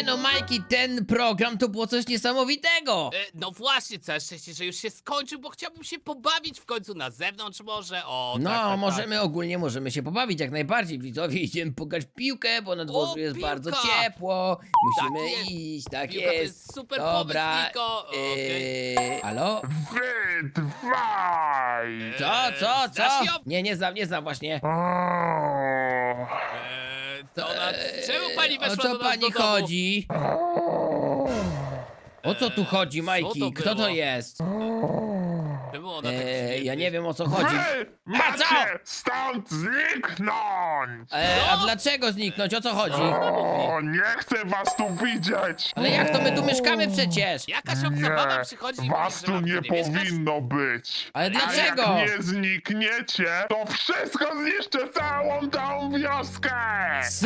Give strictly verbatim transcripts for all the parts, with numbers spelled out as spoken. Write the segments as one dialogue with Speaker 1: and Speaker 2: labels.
Speaker 1: Nie no, Majki, ten program to było coś niesamowitego.
Speaker 2: E, no właśnie, całe szczęście, że już się skończył, bo chciałbym się pobawić w końcu na zewnątrz może. O,
Speaker 1: No,
Speaker 2: tak, tak,
Speaker 1: możemy
Speaker 2: tak.
Speaker 1: ogólnie, możemy się pobawić jak najbardziej. Widzowie, idziemy pograć w piłkę, bo na dworzu
Speaker 2: O,
Speaker 1: jest
Speaker 2: piłka!
Speaker 1: bardzo ciepło. Musimy
Speaker 2: Tak jest.
Speaker 1: iść, tak
Speaker 2: Piłka to
Speaker 1: jest.
Speaker 2: jest super
Speaker 1: Dobra.
Speaker 2: pomysł, Niko. Okej.
Speaker 1: Eee, halo?
Speaker 3: Wy dwaj!
Speaker 1: Co, co,
Speaker 2: Eee, znasz
Speaker 1: co?
Speaker 2: ją?
Speaker 1: Nie, nie znam, nie znam właśnie.
Speaker 3: O,
Speaker 2: Eee, to ona, czemu pani
Speaker 1: O
Speaker 2: weszła
Speaker 1: co
Speaker 2: do nas
Speaker 1: pani
Speaker 2: do domu?
Speaker 1: chodzi? O co tu chodzi,
Speaker 2: co
Speaker 1: Majki?
Speaker 2: to
Speaker 1: Kto to
Speaker 2: było?
Speaker 1: jest?
Speaker 2: Czemu ona tak
Speaker 1: Eee,
Speaker 2: dziwnie-
Speaker 1: ja nie wiem o co chodzi.
Speaker 3: wy
Speaker 1: A co?
Speaker 3: macie stąd zniknąć!
Speaker 1: Eee, a
Speaker 2: Co?
Speaker 1: dlaczego zniknąć? O co chodzi?
Speaker 3: O, nie chcę was tu widzieć!
Speaker 1: Ale jak to my tu mieszkamy przecież?
Speaker 2: Jakaś obca baba przychodzi i mówi,
Speaker 3: was
Speaker 2: że
Speaker 3: tu
Speaker 2: mam
Speaker 3: nie
Speaker 2: tu nie mieszkać?
Speaker 3: powinno być!
Speaker 1: Ale
Speaker 3: A
Speaker 1: dlaczego?
Speaker 3: jak nie znikniecie, to wszystko zniszczę całą tą wioskę!
Speaker 1: Co?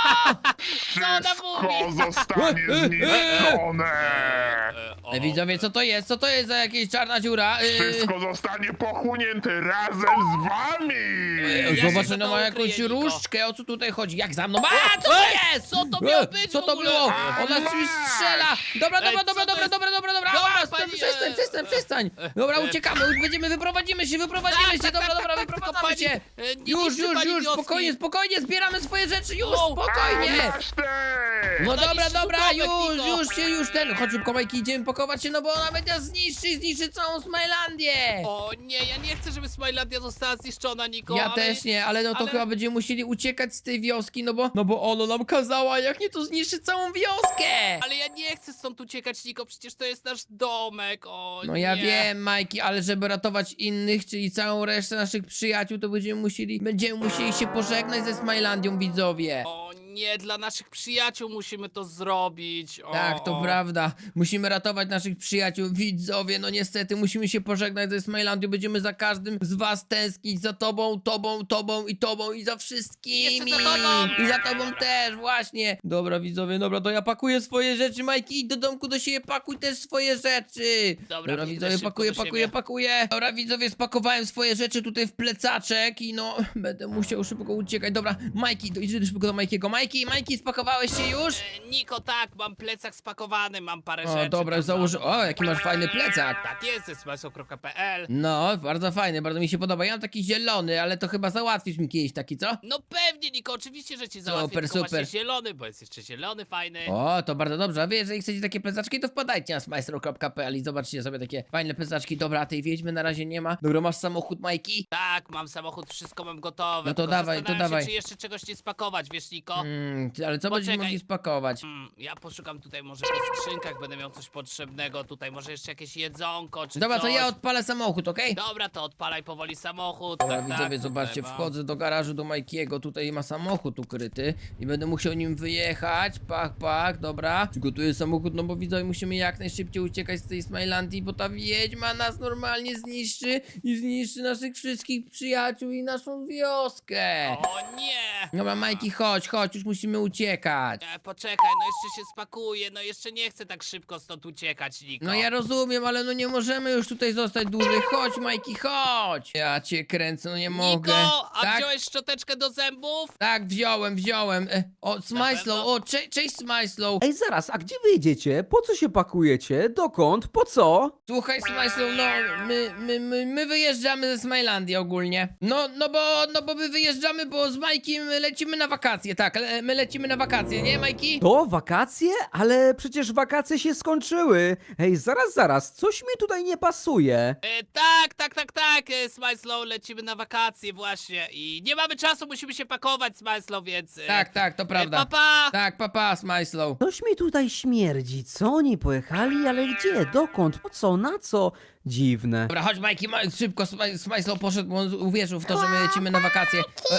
Speaker 2: ona mówi?
Speaker 3: Wszystko zostanie zniszczone!
Speaker 2: Eee, o,
Speaker 1: Ej, widzowie, co to jest? Co to jest za jakaś czarna dziura? Eee,
Speaker 3: Wszystko zostanie pochłonięte razem z wami!
Speaker 1: eee,
Speaker 2: Ja się
Speaker 1: Zobacz,
Speaker 2: za
Speaker 1: no
Speaker 2: to
Speaker 1: ma jakąś
Speaker 2: ukryję, Niko.
Speaker 1: różdżkę, o co tutaj chodzi? Jak za mną? A, co to jest?
Speaker 2: Co to miało
Speaker 1: Eee,
Speaker 2: być
Speaker 1: Co
Speaker 2: w
Speaker 1: to
Speaker 2: ogóle?
Speaker 1: było?
Speaker 2: Eee,
Speaker 1: Ona
Speaker 3: masz!
Speaker 1: czymś strzela! Dobra,
Speaker 2: Ej,
Speaker 1: dobra,
Speaker 2: co
Speaker 1: dobra,
Speaker 2: to
Speaker 1: dobra,
Speaker 2: jest?
Speaker 1: dobra, dobra, dobra!
Speaker 2: Dobra,
Speaker 1: Dobra,
Speaker 2: pani,
Speaker 1: przestań,
Speaker 2: eee,
Speaker 1: przestań,
Speaker 2: eee,
Speaker 1: przestań! Dobra,
Speaker 2: eee,
Speaker 1: uciekamy, będziemy, wyprowadzimy się, wyprowadzimy
Speaker 2: Tak,
Speaker 1: się,
Speaker 2: tak,
Speaker 1: dobra,
Speaker 2: tak,
Speaker 1: dobra,
Speaker 2: tak, tylko
Speaker 1: wyprowadzamy
Speaker 2: pani,
Speaker 1: się!
Speaker 2: e, nie
Speaker 1: Już,
Speaker 2: niszczy
Speaker 1: już,
Speaker 2: pani
Speaker 1: już,
Speaker 2: wioski.
Speaker 1: spokojnie, spokojnie, zbieramy swoje rzeczy, już,
Speaker 2: O,
Speaker 1: spokojnie!
Speaker 3: Masz ty!
Speaker 1: No
Speaker 2: Ona
Speaker 1: dobra,
Speaker 2: niszczy
Speaker 1: dobra,
Speaker 2: domek,
Speaker 1: już,
Speaker 2: Niko.
Speaker 1: już się, już ten, chodź szybko, Majki, idziemy pakować się, no bo ona będzie zniszczy, zniszczy całą Smilandię!
Speaker 2: O nie, ja nie chcę, żeby Smilandia została zniszczona, Niko.
Speaker 1: Ja
Speaker 2: ale...
Speaker 1: też nie, ale no to
Speaker 2: ale-
Speaker 1: chyba będziemy musieli uciekać z tej wioski, no bo, no bo ono nam kazała, jak nie to zniszczy całą wioskę!
Speaker 2: Ale ja nie chcę stąd uciekać, Niko, przecież to jest nasz domek, o
Speaker 1: No
Speaker 2: nie.
Speaker 1: ja wiem, Majki, ale żeby ratować innych, czyli całą resztę naszych przyjaciół, to będziemy musieli, będziemy musieli się pożegnać ze Smilandią, widzowie.
Speaker 2: O nie, dla naszych przyjaciół musimy to zrobić. O,
Speaker 1: Tak, to
Speaker 2: o.
Speaker 1: prawda. Musimy ratować naszych przyjaciół, widzowie. No niestety musimy się pożegnać ze Smilandią. Będziemy za każdym z was tęsknić. Za tobą, tobą, tobą i tobą i za wszystkimi.
Speaker 2: Jeszcze za tobą.
Speaker 1: I za tobą też, właśnie. Dobra, widzowie, dobra, to ja pakuję swoje rzeczy. Majki, idź do domku do siebie, pakuj też swoje rzeczy.
Speaker 2: Dobra, biegnę
Speaker 1: widzowie,
Speaker 2: szybko
Speaker 1: pakuję,
Speaker 2: do
Speaker 1: pakuję,
Speaker 2: siebie.
Speaker 1: pakuję. Dobra, widzowie, spakowałem swoje rzeczy tutaj w plecaczek i no, będę musiał szybko uciekać. Dobra, Majki, idź szybko do Majkiego. Majki, Majki, spakowałeś się już?
Speaker 2: E, Niko, tak, mam plecak spakowany, mam parę
Speaker 1: O,
Speaker 2: rzeczy.
Speaker 1: dobra,
Speaker 2: tam
Speaker 1: założę.
Speaker 2: za-
Speaker 1: O, jaki masz fajny plecak.
Speaker 2: Tak jest, ze smysł kropka p l.
Speaker 1: No, bardzo fajny, bardzo mi się podoba. Ja mam taki zielony, ale to chyba załatwisz mi kiedyś taki, co?
Speaker 2: No pewnie, Niko, oczywiście, że ci załatwię,
Speaker 1: Super,
Speaker 2: tylko
Speaker 1: super.
Speaker 2: właśnie zielony, bo jest jeszcze zielony, fajny.
Speaker 1: O, to bardzo dobrze. A wy, jeżeli chcecie takie plecaczki, to wpadajcie na smajstro kropka p l i zobaczcie sobie takie fajne plecaczki. Dobra, a tej wiedźmy na razie nie ma. Dobra, masz samochód, Majki?
Speaker 2: Tak, mam samochód, wszystko mam gotowe.
Speaker 1: No to
Speaker 2: tylko
Speaker 1: dawaj, to
Speaker 2: zastanawiam
Speaker 1: dawaj.
Speaker 2: się, czy jeszcze czegoś nie spakować, wiesz, Niko?
Speaker 1: Mm, ale co będziemy
Speaker 2: Poczekaj.
Speaker 1: mogli spakować?
Speaker 2: Mm, ja poszukam tutaj może po skrzynkach, będę miał coś potrzebnego tutaj, może jeszcze jakieś jedzonko, czy
Speaker 1: Dobra, to
Speaker 2: coś.
Speaker 1: ja odpalę samochód, okej?
Speaker 2: Dobra, to odpalaj powoli samochód.
Speaker 1: Dobra,
Speaker 2: tak,
Speaker 1: widzowie,
Speaker 2: tak,
Speaker 1: zobaczcie,
Speaker 2: tutaj mam.
Speaker 1: wchodzę do garażu do Majkiego, tutaj ma samochód ukryty i będę musiał nim wyjechać, pach, pach, dobra. Przygotuję samochód, no bo widzowie, musimy jak najszybciej uciekać z tej Smilandii, bo ta wiedźma nas normalnie zniszczy i zniszczy naszych wszystkich przyjaciół i naszą wioskę.
Speaker 2: O nie!
Speaker 1: Dobra, Majki, chodź, chodź, już musimy uciekać.
Speaker 2: E, poczekaj, no jeszcze się spakuję, no jeszcze nie chcę tak szybko stąd uciekać, Niko.
Speaker 1: No ja rozumiem, ale no nie możemy już tutaj zostać dłużej. Chodź, Majki, chodź. Ja cię kręcę, no nie mogę.
Speaker 2: Niko, a
Speaker 1: tak?
Speaker 2: wziąłeś szczoteczkę do zębów?
Speaker 1: Tak, wziąłem, wziąłem. E, o, Smajslow,
Speaker 2: pewno?
Speaker 1: o, cze cześć Smajslow.
Speaker 4: Ej, zaraz, a gdzie wy jedziecie? Po co się pakujecie? Dokąd? Po co?
Speaker 1: Słuchaj, Smajslow, no, my, my, my, my wyjeżdżamy ze Smilandii ogólnie. No, no bo, no bo my wyjeżdżamy, bo z Majkiem lecimy na wakacje, tak, le, my lecimy na wakacje, nie, Majki?
Speaker 4: To wakacje? Ale przecież wakacje się skończyły. Ej, zaraz, zaraz, coś mi tutaj nie pasuje.
Speaker 2: E, tak, tak, tak, tak, e, Smajslow, lecimy na wakacje właśnie i nie mamy czasu, musimy się pakować, Smajslow, więc... E,
Speaker 1: Tak, tak, to
Speaker 2: e,
Speaker 1: prawda.
Speaker 2: papa!
Speaker 1: Tak, papa, Smajslow.
Speaker 4: Coś mi tutaj śmierdzi. Co oni pojechali? Ale gdzie? Dokąd? Po co? Na co? Dziwne.
Speaker 1: Dobra, chodź Majki, ma szybko, Smaj- Smajslow poszedł, bo on uwierzył w to, że my lecimy na wakacje. E,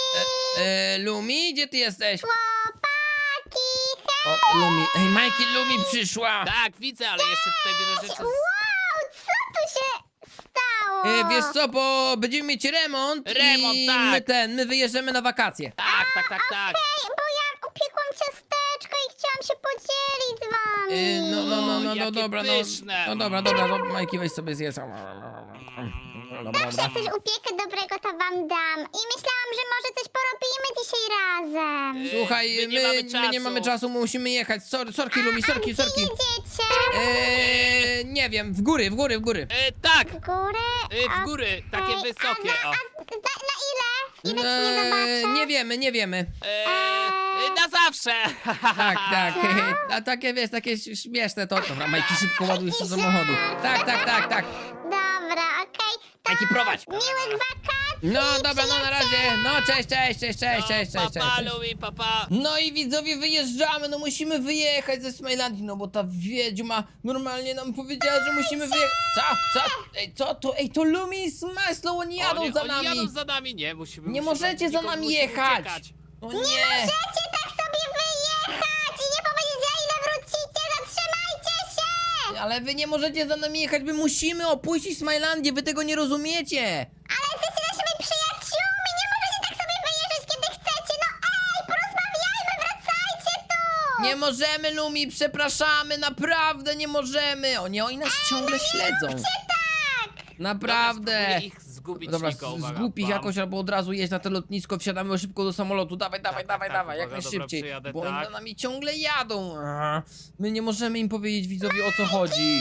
Speaker 1: e, e, e, Lumi, gdzie ty jesteś? O, Lumi, ej, Majki, Lumi przyszła.
Speaker 2: Tak, widzę, ale jeszcze tutaj biorę rzeczy z...
Speaker 5: Wow, co tu się stało?
Speaker 1: E, wiesz co, bo będziemy mieć remont,
Speaker 2: Remont,
Speaker 1: i
Speaker 2: tak.
Speaker 1: my ten, my wyjeżdżamy na wakacje.
Speaker 2: Tak, tak, tak, tak.
Speaker 5: Ej, bo ja upiekłam ciasteczko i chciałam się podzielić z wami.
Speaker 1: E, no, no, no, no, no,
Speaker 2: Jakie
Speaker 1: dobra, no,
Speaker 2: pyszne.
Speaker 1: no dobra, dobra, no, Majki, weź sobie zjedz. Dobra,
Speaker 5: Jak
Speaker 1: dobra.
Speaker 5: coś upiekę dobrego, to wam dam. I myślałam, że może coś porobimy dzisiaj razem.
Speaker 2: E,
Speaker 1: Słuchaj,
Speaker 2: my
Speaker 1: my,
Speaker 2: nie mamy
Speaker 1: my nie
Speaker 2: czasu.
Speaker 1: mamy czasu, musimy jechać. Sorry, sorki, Lumi, sorki,
Speaker 5: Gdzie
Speaker 1: sorki.
Speaker 5: jedziecie?
Speaker 1: Eee, nie wiem, w góry, w góry, w góry.
Speaker 2: E, tak,
Speaker 5: W górę?
Speaker 2: e, w góry, takie
Speaker 5: Okej,
Speaker 2: wysokie,
Speaker 5: A,
Speaker 2: o.
Speaker 5: za, a za, na ile? Ile ci nie
Speaker 1: Eee,
Speaker 5: zobaczę?
Speaker 1: nie wiemy, nie wiemy.
Speaker 2: E, e, na zawsze.
Speaker 1: Tak, tak. A takie, wiesz, takie ś- śmieszne to. Dobra, Majki, szybko ładuj się do samochodu. Tak, tak, tak, tak.
Speaker 5: Dobra, okej. To
Speaker 1: Majki, prowadź.
Speaker 5: miłych wakacji.
Speaker 1: No dobra, no na razie. No cześć, cześć, cześć, cześć, cześć, cześć, cześć.
Speaker 2: Papa,
Speaker 1: cześć.
Speaker 2: Louie, papa.
Speaker 1: No i widzowie, wyjeżdżamy, no musimy wyjechać ze Smilandii, no bo ta wiedźma normalnie nam powiedziała, że musimy wyjechać. Co? Co? Ej, co to? Ej, to Lumi i Smajslow, oni jadą
Speaker 2: oni,
Speaker 1: za
Speaker 2: oni
Speaker 1: nami.
Speaker 2: jadą za nami, nie, musimy
Speaker 1: Nie
Speaker 2: musimy,
Speaker 1: możecie za
Speaker 2: Niko,
Speaker 1: nami
Speaker 2: musimy
Speaker 1: jechać.
Speaker 2: uciekać.
Speaker 1: O
Speaker 5: Nie
Speaker 1: nie.
Speaker 5: możecie tak sobie wyjechać i nie powiedzieć, za ile wrócicie. Zatrzymajcie się.
Speaker 1: Ale wy nie możecie za nami jechać, my musimy opuścić Smilandię, wy tego nie rozumiecie.
Speaker 5: Ale jesteście naszymi przyjaciółmi. Nie możecie tak sobie wyjeżdżać, kiedy chcecie. No ej, porozmawiajmy, wracajcie tu.
Speaker 1: Nie możemy, Lumi, przepraszamy, naprawdę nie możemy. O nie, oni nas ciągle śledzą.
Speaker 5: Tak.
Speaker 1: Naprawdę.
Speaker 2: Dobra, spróbuję ich zgubić,
Speaker 1: Dobra,
Speaker 2: Niko, uwaga,
Speaker 1: zgłup ich
Speaker 2: bam.
Speaker 1: jakoś albo od razu jeść na to lotnisko, wsiadamy szybko do samolotu, dawaj, dawaj,
Speaker 2: tak,
Speaker 1: dawaj,
Speaker 2: tak,
Speaker 1: dawaj, jak
Speaker 2: uwaga, dobra,
Speaker 1: najszybciej,
Speaker 2: przyjadę,
Speaker 1: bo oni
Speaker 2: tak.
Speaker 1: za nami ciągle jadą. Aha. My nie możemy im powiedzieć widzowie o co chodzi.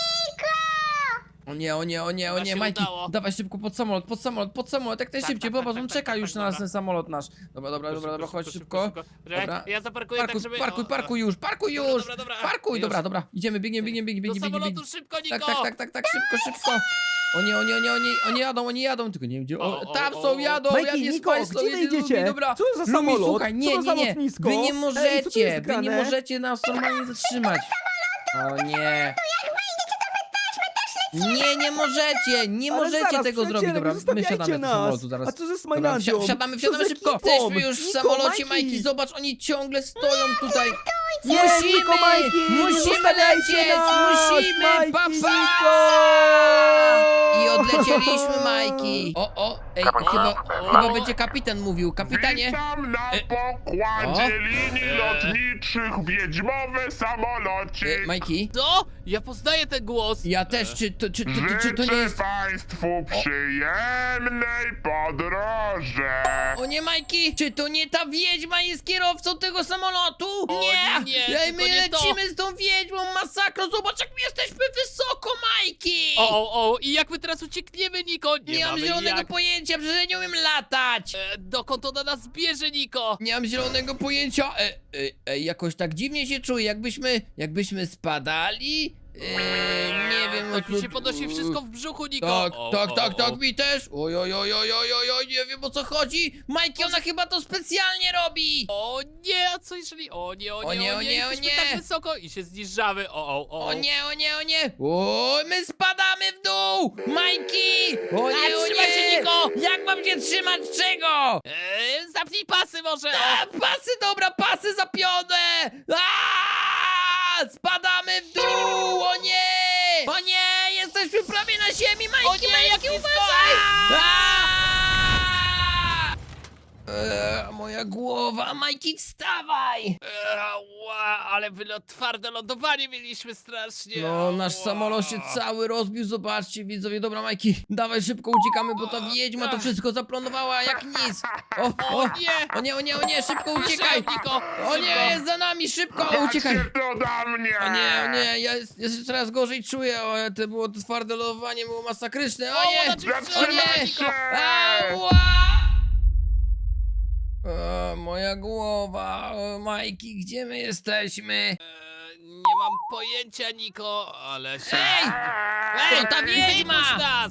Speaker 1: O nie, o nie, o nie, o
Speaker 2: Chyba
Speaker 1: nie,
Speaker 2: się
Speaker 1: Majki,
Speaker 2: udało.
Speaker 1: dawaj szybko pod samolot, pod samolot, pod samolot, jak najszybciej,
Speaker 2: tak,
Speaker 1: popatrz,
Speaker 2: tak,
Speaker 1: on
Speaker 2: tak,
Speaker 1: czeka
Speaker 2: tak,
Speaker 1: już
Speaker 2: tak,
Speaker 1: na nas
Speaker 2: dobra.
Speaker 1: ten samolot nasz. Dobra, dobra, dobra, dobra, chodź szybko. Dobra.
Speaker 2: Ja zaparkuję tak,
Speaker 1: Parkuj,
Speaker 2: żeby...
Speaker 1: parkuj,
Speaker 2: o,
Speaker 1: parkuj już, parkuj
Speaker 2: Dobra,
Speaker 1: już!
Speaker 2: dobra, dobra.
Speaker 1: Parkuj,
Speaker 2: Już.
Speaker 1: dobra, dobra, idziemy, biegniemy, biegniemy, biegniemy,
Speaker 2: Do
Speaker 1: biegniemy,
Speaker 2: samolotu
Speaker 1: biegniemy.
Speaker 2: szybko, Niko!
Speaker 1: Tak, tak, tak, tak, tak, szybko, szybko. O nie, o nie, o nie, oni, oni jadą, oni jadą, tylko nie wiem gdzie.
Speaker 2: O,
Speaker 1: O,
Speaker 2: o,
Speaker 1: tam
Speaker 2: o,
Speaker 1: są,
Speaker 2: o.
Speaker 1: jadą,
Speaker 4: Majki,
Speaker 1: ja nie
Speaker 4: Niko,
Speaker 1: Smajslow,
Speaker 4: gdzie wy
Speaker 1: jedzie
Speaker 4: idziecie?
Speaker 1: Lumi, dobra.
Speaker 4: Co za
Speaker 1: Lumi,
Speaker 4: samolot?
Speaker 1: słuchaj,
Speaker 4: Co
Speaker 1: nie,
Speaker 4: to za
Speaker 1: nie, nie,
Speaker 4: lotnisko?
Speaker 1: wy nie
Speaker 4: Ej, co tu
Speaker 1: możecie,
Speaker 4: jest
Speaker 1: wy nie
Speaker 4: grane?
Speaker 1: możecie nas normalnie zatrzymać. O nie. Nie, nie możecie, nie
Speaker 4: Ale
Speaker 1: możecie
Speaker 4: zaraz,
Speaker 1: tego zrobić,
Speaker 4: przyjaciele,
Speaker 1: dobra,
Speaker 4: nie
Speaker 1: my
Speaker 4: zostawiajcie
Speaker 1: siadamy do
Speaker 4: nas.
Speaker 1: samolotu zaraz.
Speaker 4: A co ze
Speaker 1: Dobra,
Speaker 4: Smilandią?
Speaker 1: wsi- wsiadamy,
Speaker 4: Co
Speaker 1: wsiadamy
Speaker 4: z
Speaker 1: szybko.
Speaker 4: ekipą?
Speaker 1: Jesteśmy już w
Speaker 4: Niko,
Speaker 1: samolocie,
Speaker 4: Majki.
Speaker 1: Majki, zobacz, oni ciągle stoją tutaj.
Speaker 4: Nie,
Speaker 1: Musimy,
Speaker 4: Niko, Majki, nie
Speaker 1: musimy
Speaker 4: zostawiajcie
Speaker 1: lecieć,
Speaker 4: nas,
Speaker 1: musimy,
Speaker 4: Majki,
Speaker 1: papa.
Speaker 4: Niko.
Speaker 1: I odlecieliśmy, Majki. O, o, ej, chyba, chyba będzie kapitan mówił, kapitanie.
Speaker 3: Witam na
Speaker 1: E,
Speaker 3: pokładzie
Speaker 1: o.
Speaker 3: linii
Speaker 2: E.
Speaker 3: lotniczych wiedźmowy samolocik.
Speaker 1: E, Majki,
Speaker 2: Co? Ja poznaję ten głos.
Speaker 1: ja też, czy to, czy, to, czy, czy to nie
Speaker 3: Życzę
Speaker 1: jest...
Speaker 3: Państwu przyjemnej podróży.
Speaker 1: O nie, Majki, czy to nie ta wiedźma jest kierowcą tego samolotu?
Speaker 2: O
Speaker 1: nie,
Speaker 2: nie,
Speaker 1: Ej, my
Speaker 2: tylko nie to.
Speaker 1: lecimy z tą wiedźmą, masakro, zobacz jak my jesteśmy wysoko, Majki.
Speaker 2: O, o, o, i jak my teraz uciekniemy, Niko? Nie,
Speaker 1: Nie mam
Speaker 2: mamy
Speaker 1: zielonego
Speaker 2: jak.
Speaker 1: pojęcia, przecież ja nie umiem latać.
Speaker 2: E, dokąd ona nas bierze, Niko?
Speaker 1: Nie mam zielonego pojęcia. E, e, e, jakoś tak dziwnie się czuję, jakbyśmy, jakbyśmy spadali. E, nie wiem,
Speaker 2: Tak
Speaker 1: no
Speaker 2: mi
Speaker 1: co-
Speaker 2: się podnosi wszystko w brzuchu, Niko.
Speaker 1: Tak,
Speaker 2: O,
Speaker 1: tak,
Speaker 2: o,
Speaker 1: tak,
Speaker 2: o.
Speaker 1: tak, mi też. Oj, oj, oj, oj, oj, oj, oj, nie wiem o co chodzi. Majki, ona chyba to specjalnie robi.
Speaker 2: O nie, a co jeżeli... O nie, o nie, o nie,
Speaker 1: o nie, o
Speaker 2: jesteśmy
Speaker 1: nie.
Speaker 2: tak wysoko i się zniżamy. O, o, o.
Speaker 1: O nie, o nie, o nie! O, my spadamy w dół! Majki! O nie,
Speaker 2: A,
Speaker 1: o
Speaker 2: trzymaj
Speaker 1: nie!
Speaker 2: się, Niko!
Speaker 1: Jak mam się trzymać czego?
Speaker 2: E, zapnij pasy może.
Speaker 1: A, pasy, dobra, pasy zapione! A, spadamy w dół! O nie! O nie! Jesteśmy prawie na ziemi, Majki,
Speaker 2: O nie, jak
Speaker 1: Majki,
Speaker 2: blisko!
Speaker 1: uważaj!
Speaker 2: A!
Speaker 1: Eee, moja głowa, Majki, wstawaj!
Speaker 2: E, ła, ale wylot, twarde lądowanie mieliśmy strasznie.
Speaker 1: No, nasz
Speaker 2: Ła.
Speaker 1: samolot się cały rozbił, zobaczcie widzowie, dobra Majki, dawaj szybko uciekamy, bo ta wiedźma to wszystko zaplanowała jak nic. O, o,
Speaker 2: O nie!
Speaker 1: o nie, o nie, o nie, szybko uciekaj!
Speaker 2: Szybko, Niko,
Speaker 1: O nie,
Speaker 2: szybko.
Speaker 1: jest za nami, szybko, uciekaj!
Speaker 3: Chodźcie tu do mnie.
Speaker 1: O nie, o nie, ja, jest- ja się coraz gorzej czuję, o, to było to twarde lodowanie, było masakryczne, o
Speaker 2: O,
Speaker 1: nie!
Speaker 2: ona cię
Speaker 1: O
Speaker 3: Zatrzymaj
Speaker 1: nie!
Speaker 3: się.
Speaker 1: Ała! E, moja głowa, o, Majki, gdzie my jesteśmy?
Speaker 2: E, nie mam pojęcia, Niko, ale się...
Speaker 1: Ej!
Speaker 2: Ej,
Speaker 1: to ta wiedźma!
Speaker 2: wypuść nas!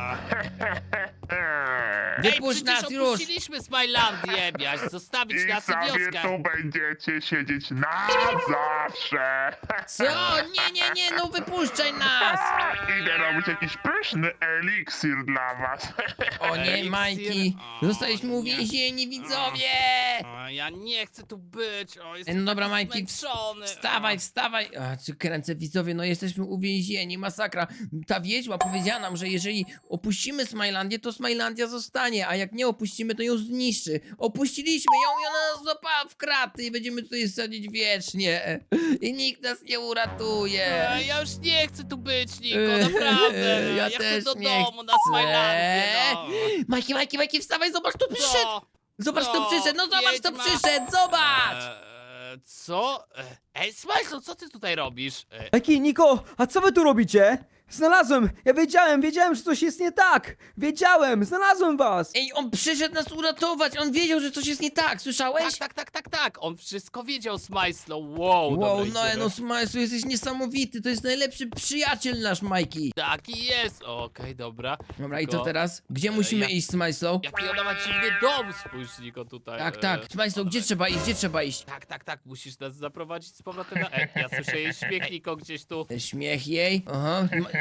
Speaker 1: Wypuść
Speaker 2: Ej,
Speaker 1: nas
Speaker 2: przecież
Speaker 1: już!
Speaker 2: opuściliśmy Smilandię, miałeś zostawić
Speaker 3: I
Speaker 2: nas i
Speaker 3: sobie
Speaker 2: wioskę.
Speaker 3: tu będziecie siedzieć na zawsze.
Speaker 1: Co? Nie, nie, nie, no wypuszczaj nas!
Speaker 3: Idę robić jakiś pyszny eliksir dla was.
Speaker 1: O nie,
Speaker 2: Eliksir?
Speaker 1: Majki,
Speaker 2: O,
Speaker 1: zostaliśmy
Speaker 2: nie.
Speaker 1: uwięzieni, widzowie!
Speaker 2: O, ja nie chcę tu być, o,
Speaker 1: Ej,
Speaker 2: jestem
Speaker 1: no dobra,
Speaker 2: taki
Speaker 1: Majki,
Speaker 2: zmęczony.
Speaker 1: wstawaj, wstawaj! A, czy kręcę, widzowie, no jesteśmy uwięzieni, masakra. Ta wiedźma powiedziała nam, że jeżeli opuścimy Smilandię, to Smilandia zostanie, a jak nie opuścimy, to ją zniszczy. Opuściliśmy ją i ona nas złapała w kraty i będziemy tutaj sadzić wiecznie. I nikt nas nie uratuje.
Speaker 2: Ej, ja już nie chcę tu być, Niko,
Speaker 1: Eee,
Speaker 2: naprawdę.
Speaker 1: ja
Speaker 2: chcę
Speaker 1: też
Speaker 2: do
Speaker 1: nie
Speaker 2: domu, na
Speaker 1: chcę.
Speaker 2: Smilandię, no.
Speaker 1: Majki, Majki, Majki, wstawaj, zobacz, tu przyszedł!
Speaker 2: Co?
Speaker 1: Zobacz,
Speaker 2: Co?
Speaker 1: to przyszedł, no zobacz, to
Speaker 2: Wiedźma.
Speaker 1: przyszedł, zobacz!
Speaker 2: Eee, co? Ej, Smajslow, co ty tutaj robisz? Eee,
Speaker 4: Eki, Niko, a co wy tu robicie? Znalazłem! Ja wiedziałem, wiedziałem, że coś jest nie tak! Wiedziałem, znalazłem was!
Speaker 1: Ej, on przyszedł nas uratować, on wiedział, że coś jest nie tak, słyszałeś?
Speaker 2: tak, tak, tak, tak, tak. On wszystko wiedział, Smajslow. Wow,
Speaker 1: Wow,
Speaker 2: dobra,
Speaker 1: no,
Speaker 2: idziemy.
Speaker 1: no Smajsu, jesteś niesamowity, to jest najlepszy przyjaciel nasz, Majki.
Speaker 2: Taki jest. Okej, dobra.
Speaker 1: Dobra, i co
Speaker 2: Tylko-
Speaker 1: teraz? Gdzie musimy
Speaker 2: ja-
Speaker 1: iść, Smajslow?
Speaker 2: Jaki ona ma dziwny dom, spójrz, Niko, tutaj.
Speaker 1: Tak,
Speaker 2: Eee,
Speaker 1: tak, Smajsu, gdzie
Speaker 2: dobra.
Speaker 1: trzeba iść, gdzie trzeba iść?
Speaker 2: Tak, tak, tak, musisz nas zaprowadzić z powrotem na... Ej, ja słyszę jej śmiech, Niko, gdzieś tu.
Speaker 1: Śmiech jej, aha. Ma-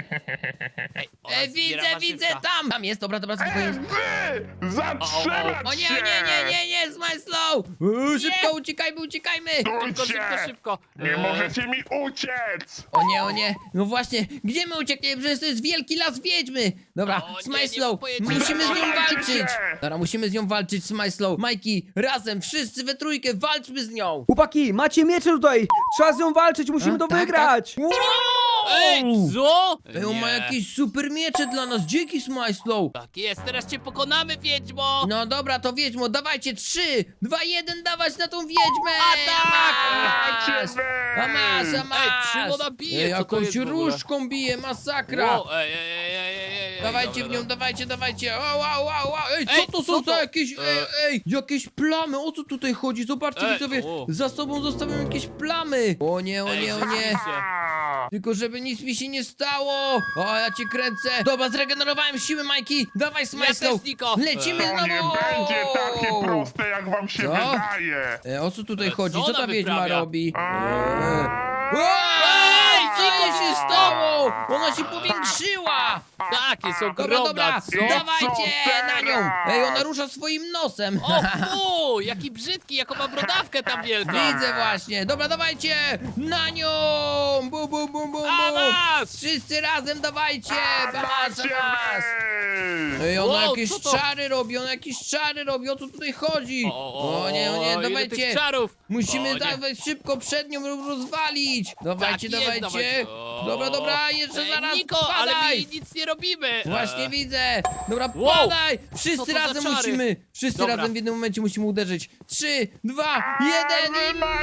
Speaker 2: Ej, ona
Speaker 1: E,
Speaker 2: zbiera
Speaker 1: widzę,
Speaker 2: warzywka.
Speaker 1: widzę, tam! Tam jest, dobra, dobra, spokojnie.
Speaker 3: Wy! Zatrzymać
Speaker 1: O nie,
Speaker 3: się!
Speaker 1: o nie, nie, nie, nie, Smajslow! Uuu, Szybko, uciekajmy, uciekajmy!
Speaker 2: Szybko,
Speaker 3: Stójcie!
Speaker 2: szybko, szybko.
Speaker 3: Nie
Speaker 2: Eee,
Speaker 3: możecie mi uciec!
Speaker 1: O nie, o nie, no właśnie, gdzie my uciekniemy? Przecież to jest wielki las wiedźmy! Dobra,
Speaker 2: O nie, nie
Speaker 1: Smajslow,
Speaker 2: pojedziemy.
Speaker 1: musimy z nią
Speaker 3: Zatrzymajcie
Speaker 1: walczyć!
Speaker 3: się!
Speaker 1: Dobra, musimy z nią walczyć, Smajslow. Majki, razem, wszyscy we trójkę, walczmy z nią!
Speaker 4: Chłopaki, macie miecze tutaj! Trzeba z nią walczyć, musimy
Speaker 1: A,
Speaker 4: to
Speaker 1: tak,
Speaker 4: wygrać!
Speaker 1: Wow!
Speaker 2: Ej, co?
Speaker 1: Ej, on ma
Speaker 2: Nie.
Speaker 1: jakieś super miecze dla nas, dzięki Smajslow!
Speaker 2: Tak jest, teraz cię pokonamy, Wiedźmo!
Speaker 1: No dobra, to wiedźmo, dawajcie, trzy, dwa, jeden, dawać na tą wiedźmę!
Speaker 2: Atak!
Speaker 1: A
Speaker 3: Macie wy!
Speaker 1: A masz, a masz!
Speaker 2: Ej, czym ona bije?
Speaker 1: Ej,
Speaker 2: Co to
Speaker 1: jakąś
Speaker 2: jest w ogóle?
Speaker 1: różką bije, masakra!
Speaker 2: Wow, ej, ej, ej, ej, ej, ej,
Speaker 1: Dawajcie
Speaker 2: dobra,
Speaker 1: w nią, dawajcie, dawajcie! O, wow, wow, wow. Ej, co
Speaker 2: Ej,
Speaker 1: to
Speaker 2: co
Speaker 1: są
Speaker 2: to?
Speaker 1: za jakieś, ej,
Speaker 2: E.
Speaker 1: ej, jakieś plamy? O co tutaj chodzi? Zobaczcie,
Speaker 2: Ej,
Speaker 1: widzowie,
Speaker 2: o.
Speaker 1: za sobą zostawiam jakieś plamy! O nie, o
Speaker 2: Ej,
Speaker 1: nie, o nie!
Speaker 2: rzeczywiście.
Speaker 3: A!
Speaker 1: Tylko żeby nic mi się nie stało! O, ja cię kręcę! Dobra, zregenerowałem siły, Majki! Dawaj, Smajslow!
Speaker 2: też, Niko.
Speaker 1: Lecimy
Speaker 3: To nie
Speaker 1: znowu!
Speaker 3: będzie takie proste, jak wam się
Speaker 1: Co?
Speaker 3: wydaje!
Speaker 1: E, o co tutaj
Speaker 2: E,
Speaker 1: chodzi?
Speaker 2: co
Speaker 1: Co
Speaker 2: ona
Speaker 1: ta wiedźma
Speaker 2: wyprawia?
Speaker 1: robi?
Speaker 3: A!
Speaker 1: Ej, co
Speaker 2: Niko,
Speaker 1: jej się stało? Ona się powiększyła!
Speaker 2: Tak, jest
Speaker 1: Dobra,
Speaker 2: ogromna,
Speaker 1: dobra,
Speaker 2: co?
Speaker 1: dawajcie
Speaker 3: Co
Speaker 1: na nią!
Speaker 3: teraz?
Speaker 1: Ej, ona rusza swoim nosem!
Speaker 2: O fu, jaki brzydki, jaką ma brodawkę tam wielką!
Speaker 1: Widzę właśnie! Dobra, dawajcie! Na nią! Bum, bum, bum, bum,
Speaker 2: A
Speaker 1: bum!
Speaker 2: masz!
Speaker 1: Wszyscy razem dawajcie! Masz,
Speaker 3: Macie
Speaker 1: masz!
Speaker 3: wy!
Speaker 1: Ej, ona
Speaker 2: Wow,
Speaker 1: jakieś
Speaker 2: co to?
Speaker 1: czary robi, ona jakieś czary robi, o co tutaj chodzi? O nie, o nie,
Speaker 2: ile
Speaker 1: dawajcie!
Speaker 2: tych czarów!
Speaker 1: Musimy
Speaker 2: O nie.
Speaker 1: dawać szybko przed nią ro- rozwalić! Dawajcie,
Speaker 2: Tak jest,
Speaker 1: dawajcie!
Speaker 2: dawajcie. O.
Speaker 1: Dobra, dobra, jeszcze
Speaker 2: Ej,
Speaker 1: zaraz
Speaker 2: Niko, ale my
Speaker 1: padaj!
Speaker 2: jej nic nie robimy!
Speaker 1: Właśnie
Speaker 2: E,
Speaker 1: widzę! Dobra,
Speaker 2: Wow!
Speaker 1: padaj!
Speaker 2: Co
Speaker 1: Wszyscy
Speaker 2: to za
Speaker 1: razem
Speaker 2: czary?
Speaker 1: musimy! Wszyscy
Speaker 2: Dobra.
Speaker 1: razem w jednym momencie musimy uderzyć! Trzy, dwa, jeden i
Speaker 3: macie!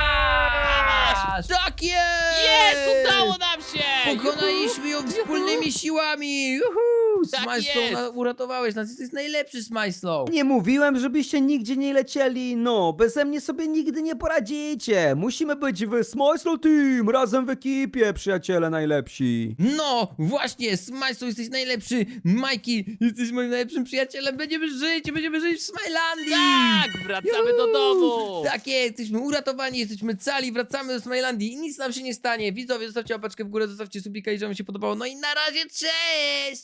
Speaker 1: masz! Tak jest!
Speaker 2: Jest, udało nam się!
Speaker 1: Pokonaliśmy ją wspólnymi siłami! Juhu!
Speaker 2: Tak
Speaker 1: Smajslow,
Speaker 2: jest.
Speaker 1: na- uratowałeś nas, jesteś najlepszy, Smajslow!
Speaker 4: Nie mówiłem, żebyście nigdzie nie lecieli, no, beze mnie sobie nigdy nie poradzicie. Musimy być w Smajslow Team, razem w ekipie, przyjaciele najlepsi.
Speaker 1: No, właśnie, Smajslow, jesteś najlepszy! Majki, jesteś moim najlepszym przyjacielem! Będziemy żyć, będziemy żyć w Smilandii!
Speaker 2: Tak, wracamy do domu!
Speaker 1: Tak jest, jesteśmy uratowani, jesteśmy cali, wracamy do Smilandii i nic nam się nie stanie. Widzowie, zostawcie łapeczkę w górę, zostawcie subika, jeżeli wam się podobało. No i na razie, cześć!